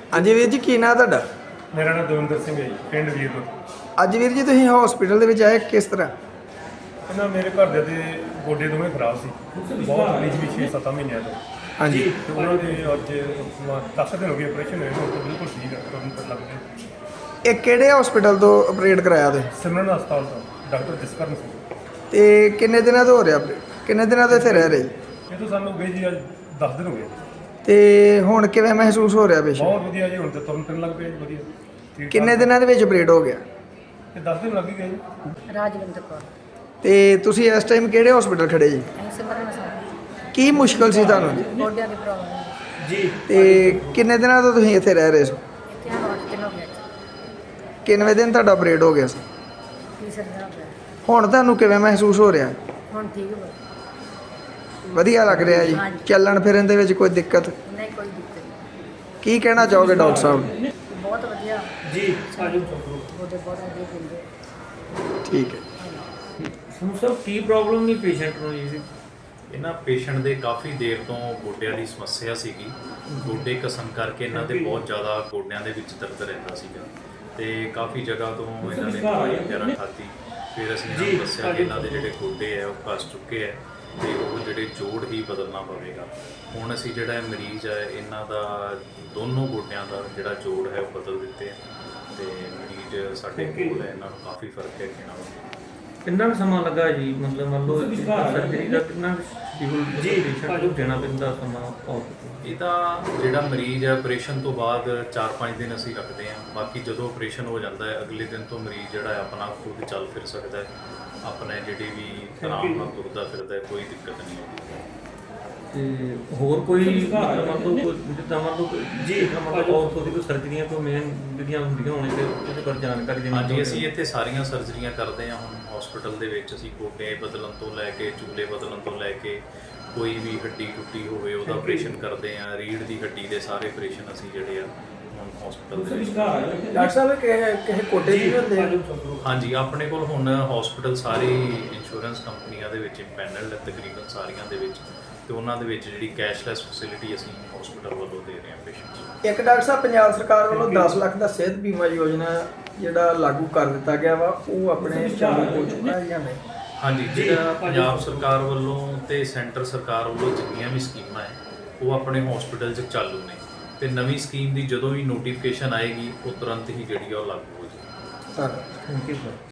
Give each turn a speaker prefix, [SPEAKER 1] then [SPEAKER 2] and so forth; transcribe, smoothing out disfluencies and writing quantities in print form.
[SPEAKER 1] ਹਾਂਜੀ ਵੀਰ ਜੀ, ਕੀ ਨਾਂ ਤੁਹਾਡਾ?
[SPEAKER 2] ਮੇਰਾ ਨਾਮ ਦਵਿੰਦਰ ਸਿੰਘ ਹੈ ਜੀ, ਪਿੰਡ ਵੀਰਪੁਰ।
[SPEAKER 1] ਅੱਜ ਵੀਰ ਜੀ ਤੁਸੀਂ ਹਸਪੀਟਲ ਦੇ ਵਿੱਚ ਆਏ, ਕਿਸ ਤਰ੍ਹਾਂ?
[SPEAKER 2] ਇਹਨਾਂ ਮੇਰੇ ਘਰਦਿਆਂ ਦੇ ਗੋਡੇ ਦੋਵੇਂ ਖਰਾਬ ਸੀ, ਬਹੁਤ ਪਿਛਲੀ 6-7 ਮਹੀਨਿਆਂ ਤੋਂ।
[SPEAKER 1] ਹਾਂਜੀ।
[SPEAKER 2] ਤੇ ਉਹਨਾਂ ਦੇ ਅੱਜ 10 ਦਿਨ ਹੋ ਗਏ ਆਪਰੇਸ਼ਨ ਹੋਏ, ਹੁਣ ਤਾਂ ਬਿਲਕੁਲ ਠੀਕ ਹੈ, ਤੁਰੰਤ ਪਤਾ ਲੱਗ ਗਿਆ।
[SPEAKER 1] ਇਹ ਕਿਹੜੇ ਹਸਪੀਟਲ ਤੋਂ ਆਪਰੇਟ ਕਰਾਇਆ ਤੁਸੀਂ?
[SPEAKER 2] ਸਿਮਰਨ ਹਸਪਤਾਲ ਤੋਂ ਡਾਕਟਰ ਜਸਕਰਨ ਸਿੰਘ।
[SPEAKER 1] ਤੇ ਕਿੰਨੇ ਦਿਨਾਂ ਤੋਂ ਹੋ ਰਿਹਾ ਆਪਰੇਟ? ਕਿੰਨੇ ਦਿਨਾਂ ਤੋਂ ਇੱਥੇ ਰਹਿ ਰਹੇ ਜੀ?
[SPEAKER 2] ਇਹ ਤਾਂ ਸਾਨੂੰ ਹੋ ਗਏ ਜੀ, ਅੱਜ 10 ਦਿਨ ਹੋ ਗਏ।
[SPEAKER 1] ਤੇ ਹੁਣ ਕਿਵੇਂ ਮਹਿਸੂਸ ਹੋ ਰਿਹਾ ਪੇਸ਼ੈਂਟ?
[SPEAKER 2] ਬਹੁਤ ਵਧੀਆ ਜੀ, ਹੁਣ ਤਾਂ ਤੁਰਨ ਫਿਰਨ ਲੱਗ ਪਿਆ ਜੀ, ਵਧੀਆ ਠੀਕ
[SPEAKER 1] ਕਿੰਨੇ ਦਿਨਾਂ ਦੇ ਵਿੱਚ ਆਪਰੇਟ ਹੋ ਗਿਆ?
[SPEAKER 2] ਇਹ 10 ਦਿਨ ਲੱਗ ਹੀ ਗਏ ਜੀ।
[SPEAKER 3] ਰਾਜਵਿੰਦਰ ਕੌਰ।
[SPEAKER 1] ਤੇ ਤੁਸੀਂ ਇਸ ਟਾਈਮ ਕਿਹੜੇ ਹਸਪੀਟਲ ਖੜੇ ਜੀ?
[SPEAKER 3] ਅਸੀਂ ਸਿਮਰਨ ਸਾਹਿਬ
[SPEAKER 1] ਕੀ ਮੁਸ਼ਕਲ ਸੀ ਤੁਹਾਨੂੰ ਜੀ?
[SPEAKER 3] ਗੋਡਿਆਂ ਦੀ ਪ੍ਰੋਬਲਮ ਹੈ
[SPEAKER 1] ਜੀ। ਤੇ ਕਿੰਨੇ ਦਿਨਾਂ ਤੋਂ ਤੁਸੀਂ ਇੱਥੇ ਰਹਿ ਰਹੇ ਹੋ?
[SPEAKER 3] ਇੱਥੇ ਸਾਨੂੰ 8 ਦਿਨ ਹੋ ਗਏ ਜੀ।
[SPEAKER 1] ਕਿੰਨਵੇਂ ਦਿਨ ਤੁਹਾਡਾ ਆਪਰੇਟ ਹੋ ਗਿਆ ਸੀ?
[SPEAKER 3] ਤੀਸਰਾ ਦਿਨ ਹੋ ਗਿਆ।
[SPEAKER 1] ਹੁਣ ਤੁਹਾਨੂੰ ਕਿਵੇਂ ਮਹਿਸੂਸ ਹੋ ਰਿਹਾ?
[SPEAKER 3] ਹੁਣ ਠੀਕ ਹੋ
[SPEAKER 1] ਵਧੀਆ ਲੱਗ ਰਿਹਾ ਜੀ?
[SPEAKER 3] ਹਾਂਜੀ।
[SPEAKER 1] ਚੱਲਣ ਫਿਰਨ ਦੇ ਵਿੱਚ ਕੋਈ ਦਿੱਕਤ?
[SPEAKER 3] ਨਹੀਂ, ਕੋਈ ਦਿੱਕਤ ਨਹੀਂ।
[SPEAKER 1] ਕੀ ਕਹਿਣਾ ਚਾਹੋਗੇ ਡਾਕਟਰ ਸਾਹਿਬ ਨੂੰ?
[SPEAKER 3] ਬਹੁਤ ਵਧੀਆ
[SPEAKER 4] ਜੀ
[SPEAKER 3] ਗੋਡੇ ਬਹੁਤ ਵਧੀਆ ਦਿੰਦੇ।
[SPEAKER 1] ਠੀਕ ਹੈ।
[SPEAKER 4] ਸਾਨੂੰ ਸਰ ਕੀ ਪ੍ਰੋਬਲਮ ਨਹੀਂ ਪੇਸ਼ੈਂਟ ਨੂੰ ਜੀ?
[SPEAKER 5] ਇਹਨਾਂ ਪੇਸ਼ੈਂਟ ਦੇ ਕਾਫੀ ਦੇਰ ਤੋਂ ਗੋਡਿਆਂ ਦੀ ਸਮੱਸਿਆ ਸੀਗੀ। ਗੋਡੇ ਘਸਣ ਕਰਕੇ ਇਹਨਾਂ ਦੇ ਬਹੁਤ ਜ਼ਿਆਦਾ ਗੋਡਿਆਂ ਦੇ ਵਿੱਚ ਦਰਦ ਰਹਿੰਦਾ ਸੀਗਾ ਤੇ ਕਾਫੀ ਜਗ੍ਹਾ ਤੋਂ ਇਹਨਾਂ ਨੇ ਦਵਾਈ ਵਗੈਰਾ ਖਾਧੀ। ਫਿਰ ਅਸੀਂ ਇਹਨਾਂ ਨੂੰ ਦੱਸਿਆ ਕਿ ਇਹਨਾਂ ਦੇ ਜਿਹੜੇ ਗੋਡੇ ਹੈ ਉਹ ਘਸ ਚੁੱਕੇ ਹੈ ਤੇ ਉਹ ਜਿਹੜੇ ਜੋੜ ਹੀ ਬਦਲਣਾ ਪਵੇਗਾ। ਹੁਣ ਅਸੀਂ ਜਿਹੜਾ ਇਹ ਮਰੀਜ਼ ਹੈ ਇਹਨਾਂ ਦਾ ਦੋਨੋਂ ਗੋਡਿਆਂ ਦਾ ਜਿਹੜਾ ਜੋੜ ਹੈ ਉਹ ਬਦਲ ਦਿੱਤੇ ਹੈ ਤੇ ਮਰੀਜ਼ ਸਾਡੇ ਕੋਲ ਹੈ। ਇਹਨਾਂ ਨੂੰ ਕਾਫੀ ਫਰਕ ਹੈ ਕਿ ਇਹਨਾਂ ਨੂੰ।
[SPEAKER 4] ਕਿੰਨਾ ਕੁ ਸਮਾਂ ਲੱਗਾ ਜੀ? ਮਤਲਬ ਮੰਨ ਲਓ ਸਰਜਰੀ ਦਾ ਕਿੰਨਾ ਸ਼ਡਿਊਲ ਪੇਸ਼ੈਂਟ ਨੂੰ ਦੇਣਾ ਪੈਂਦਾ ਸਮਾਂ?
[SPEAKER 5] ਇਹਦਾ ਜਿਹੜਾ ਮਰੀਜ਼ ਹੈ ਆਪਰੇਸ਼ਨ ਤੋਂ ਬਾਅਦ 4-5 ਦਿਨ ਅਸੀਂ ਰੱਖਦੇ ਹਾਂ। ਬਾਕੀ ਜਦੋਂ ਆਪਰੇਸ਼ਨ ਹੋ ਜਾਂਦਾ ਹੈ ਅਗਲੇ ਦਿਨ ਤੋਂ ਮਰੀਜ਼ ਜਿਹੜਾ ਹੈ ਆਪਣਾ ਖੁਦ ਚੱਲ ਫਿਰ ਸਕਦਾ ਹੈ, ਆਪਣੇ ਜਿਹੜੇ ਵੀ ਆਰਾਮ ਨਾਲ ਤੁਰਦਾ ਫਿਰਦਾ ਹੈ, ਕੋਈ ਦਿੱਕਤ ਨਹੀਂ ਆਉਂਦੀ।
[SPEAKER 4] ਤੇ ਹੋਰ ਕੋਈ ਮਤਲਬ ਮੰਨ ਲਓ ਜਿੱਦਾਂ ਮੰਨ ਲਓ ਜੀ ਮਤਲਬ ਔਰਥੋ ਦੀ ਕੋਈ ਸਰਜਰੀਆਂ ਤੋਂ ਮੇਨ ਜਿਹੜੀਆਂ ਹੁੰਦੀਆਂ ਹੋਣ ਤੇ ਉਹਦੇ ਬਾਰੇ ਜਾਣਕਾਰੀ ਦੇਣੀ?
[SPEAKER 5] ਹਾਂਜੀ, ਅਸੀਂ ਇੱਥੇ ਸਾਰੀਆਂ ਸਰਜਰੀਆਂ ਕਰਦੇ ਹਾਂ ਹੁਣ ਹਸਪੀਟਲ ਦੇ ਵਿੱਚ। ਅਸੀਂ ਗੋਡੇ ਬਦਲਣ ਤੋਂ ਲੈ ਕੇ ਚੂਲੇ ਬਦਲਣ ਤੋਂ ਲੈ ਕੇ ਕੋਈ ਵੀ ਹੱਡੀ ਟੁੱਟੀ ਹੋਵੇ ਉਹਦਾ ਆਪਰੇਸ਼ਨ ਕਰਦੇ ਹਾਂ। ਰੀੜ੍ਹ ਦੀ ਹੱਡੀ ਦੇ ਸਾਰੇ ਆਪਰੇਸ਼ਨ ਅਸੀਂ ਜਿਹੜੇ ਆ ਹੁਣ ਹਸਪੀਟਲ ਦੇ ਵਿੱਚ।
[SPEAKER 1] ਡਾਕਟਰ ਸਾਹਿਬ ਕਿਸੇ ਕੋਟੇ ਵੀ ਹੁੰਦੇ ਆ?
[SPEAKER 5] ਹਾਂਜੀ, ਆਪਣੇ ਕੋਲ ਹੁਣ ਹਸਪੀਟਲ ਸਾਰੇ ਇੰਸ਼ੋਰੈਂਸ ਕੰਪਨੀਆਂ ਦੇ ਵਿੱਚ ਪੈਨਲ ਤਕਰੀਬਨ ਸਾਰੀਆਂ ਦੇ ਵਿੱਚ, ਤੇ ਉਹਨਾਂ ਦੇ ਵਿੱਚ ਜਿਹੜੀ ਕੈਸ਼ਲੈਸ ਫੈਸਿਲਿਟੀ ਅਸੀਂ ਹਸਪੀਟਲ ਵੱਲੋਂ ਦੇ ਰਹੇ ਹਾਂ ਪੇਸ਼ੈਂਟਸ ਨੂੰ।
[SPEAKER 1] ਇੱਕ ਡਾਕਟਰ ਸਾਹਿਬ, ਪੰਜਾਬ ਸਰਕਾਰ ਵੱਲੋਂ 10 ਲੱਖ ਦਾ ਸਿਹਤ ਬੀਮਾ ਯੋਜਨਾ ਜਿਹੜਾ ਲਾਗੂ ਕਰ ਦਿੱਤਾ ਗਿਆ ਵਾ, ਉਹ ਆਪਣੇ ਚਾਲੂ ਹੋ ਚੁੱਕਾ ਹੈ ਜਾਂ ਨਹੀਂ?
[SPEAKER 5] ਹਾਂਜੀ, ਜਿਹੜਾ ਪੰਜਾਬ ਸਰਕਾਰ ਵੱਲੋਂ ਤੇ ਸੈਂਟਰ ਸਰਕਾਰ ਵੱਲੋਂ ਜਿੰਨੀਆਂ ਵੀ ਸਕੀਮਾਂ ਹੈ ਉਹ ਆਪਣੇ ਹਸਪੀਟਲ 'ਚ ਚਾਲੂ ਨੇ ਤੇ ਨਵੀਂ ਸਕੀਮ ਦੀ ਜਦੋਂ ਵੀ ਨੋਟੀਫਿਕੇਸ਼ਨ ਆਏਗੀ ਉਹ ਤੁਰੰਤ ਹੀ ਜਿਹੜੀ ਆ ਉਹ ਲਾਗੂ ਹੋ ਜਾਏਗੀ।
[SPEAKER 1] ਧੰਨਵਾਦ।
[SPEAKER 4] Thank you sir.